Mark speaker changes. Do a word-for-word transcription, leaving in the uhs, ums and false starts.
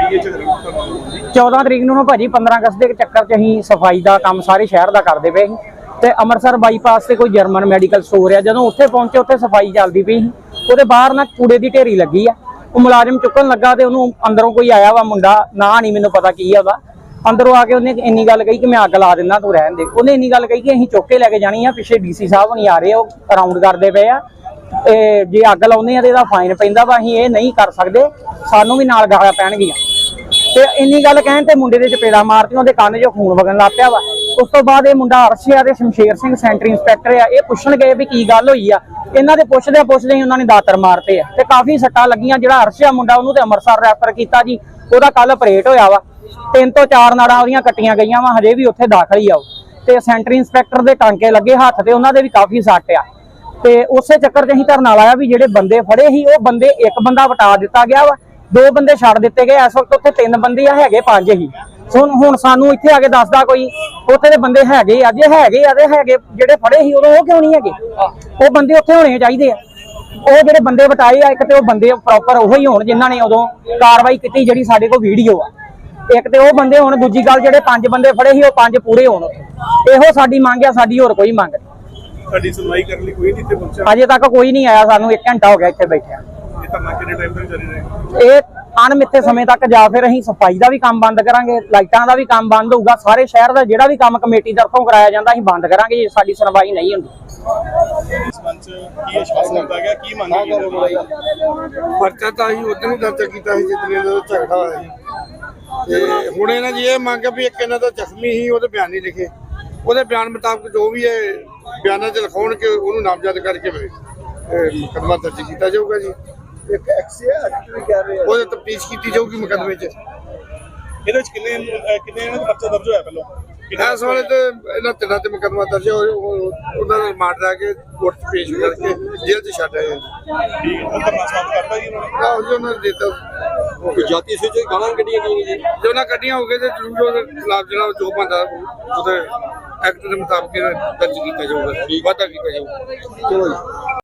Speaker 1: चौदह तरीक नूं भाजी पंद्रह अगस्त के चक्कर च असीं सफाई का काम सारे शहर का करते पे ते अमृतसर बाईपास से कोई जर्मन मैडिकल स्टोर है, जदों उत्थे पहुंचे उत्थे सफाई चलती पई सी। उहदे बाहर ना कूड़े की ढेरी लगी है, वो मुलाजिम चुकन लगा तो उन्होंने अंदरों कोई आया वा मुंडा, ना नहीं मैनूं पता की है, अंदरों आके उन्हें इन्नी गल कही कि मैं अग ला दिना तू रहन दे। उन्हें इन्नी गल कही कि असीं चुक के लैके जानी है, पिछे डी सी साहब नहीं आ रहे, वो राउंड करते पे आ, जे अग लाउने आ तो फाइन पैंदा वा, असीं ये नहीं कर सकते, सानू भी नाल गालां पैणगियां। ते इन्नी गल कहण ते मुंडे दे चपेड़ा मारतियां, उहदे कंन चों खून वगन लग पिया वा। उस तो बाद ये मुंडा अरश आ ते शमशेर सिंह सेंटर इंस्पैक्टर आ, ये पुछण गए भी की गल होई आ, इन्हां दे पुछदे पुछदे ही उन्होंने दातर मारते आ ते काफी सट्टां लगियां। जिहड़ा अरश आ मुंडा उहनूं ते अमृतसर रैफर कीता जी, उहदा कल ऑपरेट होया वा, तीन तो चार नाड़ां उहदियां कट्टियां गईयां वा, हजे भी उत्थे दाखल ही आ ते सेंटर इंस्पैक्टर दे टांके लगे हत्थ ते उन्हां दे भी काफी सੱਟ आ। ते उसे चक्कर च असीं धरना लाया भी जिहड़े बंदे फड़े ही वो बंदे एक बंदा वटा दिता गया वा, दो बंदे छड़ दिते गए। इस वक्त उत्थे तीन बंदे आ, हैगे पांच ही। हुण हुण सानू इत्थे आके दसदा कोई उत्थे दे बंदे हैगे आ, जे हैगे आ ते हैगे जिहड़े फड़े ही उदों ओह क्यों नहीं हैगे? वो बंदे उत्थे होने चाहीदे आ। ਉਹ ਜਿਹੜੇ ਬੰਦੇ ਵਟਾਏ ਆ, ਇੱਕ ਤੇ ਉਹ ਬੰਦੇ ਪ੍ਰੋਪਰ ਉਹ ਹੀ ਹੋਣ ਜਿਨ੍ਹਾਂ ਨੇ ਉਦੋਂ ਕਾਰਵਾਈ ਕੀਤੀ ਜਿਹੜੀ ਸਾਡੇ ਕੋਲ ਵੀਡੀਓ ਆ, ਇੱਕ ਤੇ ਉਹ ਬੰਦੇ ਹੋਣ, ਦੂਜੀ ਗੱਲ ਜਿਹੜੇ ਪੰਜ ਬੰਦੇ ਫੜੇ ਸੀ ਉਹ ਪੰਜ ਪੂਰੇ ਹੋਣ। ਇਹੋ ਸਾਡੀ ਮੰਗ ਆ, ਸਾਡੀ ਹੋਰ ਕੋਈ ਮੰਗ ਨਹੀਂ।
Speaker 2: ਸਾਡੀ ਸੁਣਵਾਈ ਕਰਨ ਲਈ ਕੋਈ ਨਹੀਂ ਇੱਥੇ ਪਹੁੰਚਿਆ
Speaker 1: ਅਜੇ ਤੱਕ ਕੋਈ ਨਹੀਂ ਆਇਆ, ਸਾਨੂੰ ਇੱਕ ਘੰਟਾ ਹੋ ਗਿਆ ਇੱਥੇ ਬੈਠਿਆ।
Speaker 2: ਇਹ ਧਰਨਾ ਕਿੰਨੇ ਟਾਈਮ ਤੱਕ ਜਾਰੀ ਰਹੇਗਾ?
Speaker 1: ਇਹ ਅਣਮਿੱਥੇ ਸਮੇਂ ਤੱਕ ਜਾਂ ਫਿਰ ਅਸੀਂ ਸਫਾਈ ਦਾ ਵੀ ਕੰਮ ਬੰਦ ਕਰਾਂਗੇ, ਲਾਈਟਾਂ ਦਾ ਵੀ ਕੰਮ ਬੰਦ ਹੋਊਗਾ, ਸਾਰੇ ਸ਼ਹਿਰ ਦਾ ਜਿਹੜਾ ਵੀ ਕੰਮ ਕਮੇਟੀ ਤਰਫੋਂ ਕਰਾਇਆ ਜਾਂਦਾ ਅਸੀਂ ਬੰਦ ਕਰਾਂਗੇ ਜੇ ਸਾਡੀ ਸੁਣਵਾਈ ਨਹੀਂ ਹੁੰਦੀ।
Speaker 2: ਇਸ ਮੰਚ ਕੀ ਆਸ਼ਵਾਸਨ ਦਿੱਤਾ ਗਿਆ, ਕੀ ਮੰਗ ਕੀਤੀ?
Speaker 3: ਪਰਚਾ ਤਾਂ ਅਸੀਂ ਉਦੋਂ ਹੀ ਦਰਜ ਕੀਤਾ ਸੀ ਜਿੱਦਣ ਦਾ ਝਗੜਾ ਹੋਇਆ ਸੀ, ਤੇ ਹੁਣ ਇਹਨਾਂ ਦੀ ਇਹ ਮੰਗ ਹੈ ਵੀ ਇੱਕ ਇਹਨਾਂ ਦਾ ਜ਼ਖਮੀ ਸੀ, ਉਹਦੇ ਬਿਆਨ ਨਹੀਂ ਲਿਖੇ, ਉਹਦੇ ਬਿਆਨ ਮੁਤਾਬਕ ਜੋ ਵੀ ਹੈ ਬਿਆਨਾਂ 'ਚ ਲਿਖਾਉਣ ਕੇ ਉਹਨੂੰ ਨਾਮਜ਼ਦ ਕਰਕੇ ਮੁਕੱਦਮਾ ਦਰਜ ਕੀਤਾ ਜਾਊਗਾ ਜੀ। ਇੱਕ ਐਕਸੀਡੈਂਟ ਵੀ ਕਹਿ ਰਹੇ ਆ, ਉਹਦੀ ਤਫਤੀਸ਼ ਕੀਤੀ ਜਾਊਗੀ ਮੁਕੱਦਮੇ 'ਚ।
Speaker 2: ਇਹਦੇ ਵਿੱਚ ਕਿੰਨੇ ਕਿੰਨੇ ਇਹਨਾਂ ਦਾ ਪਰਚਾ ਦਰਜ ਹੋਇਆ ਪਹਿਲਾਂ?
Speaker 3: ਇਸ ਵੇਲੇ ਤੇ ਇਹਨਾਂ ਤਿੰਨਾਂ ਤੇ ਮੁਕੱਦਮਾ ਦਰਜ ਹੋਇਆ, ਉਹਨਾਂ ਦਾ ਰਿਮਾਂਡ ਲੈ ਕੇ ਕੋਰਟ 'ਚ ਪੇਸ਼ ਕਰਕੇ ਜੇਲ੍ਹ 'ਚ ਛੱਡ ਆਏ।
Speaker 2: ਠੀਕ ਹੈ, ਹੁਣ ਧਰਨਾ ਸਮਾਪਤ ਕਰਤਾ ਜੀ ਉਹਨਾਂ ਨੇ?
Speaker 3: ਆਹੋ ਜੀ, ਉਹਨਾਂ ਨੇ ਦਿੱਤਾ
Speaker 4: ਜਾਤੀ ਸੂਚੀ ਗਾਲਾਂ ਕੱਢੀਆਂ ਗਈਆਂ ਜੀ,
Speaker 3: ਜੋ ਨਾ ਕੱਢੀਆਂ ਹੋ ਗਏ ਤੇ ਜ਼ਰੂਰ ਉਹਦੇ ਖਿਲਾਫ ਜਿਹੜਾ ਜੋ ਬੰਦਾ ਉਹਦੇ ਐਕਟ ਦੇ ਮੁਤਾਬਕ ਦਰਜ ਕੀਤਾ ਜਾਊਗਾ, ਵਾਧਾ ਕੀਤਾ ਜਾਊਗਾ। ਚਲੋ ਜੀ।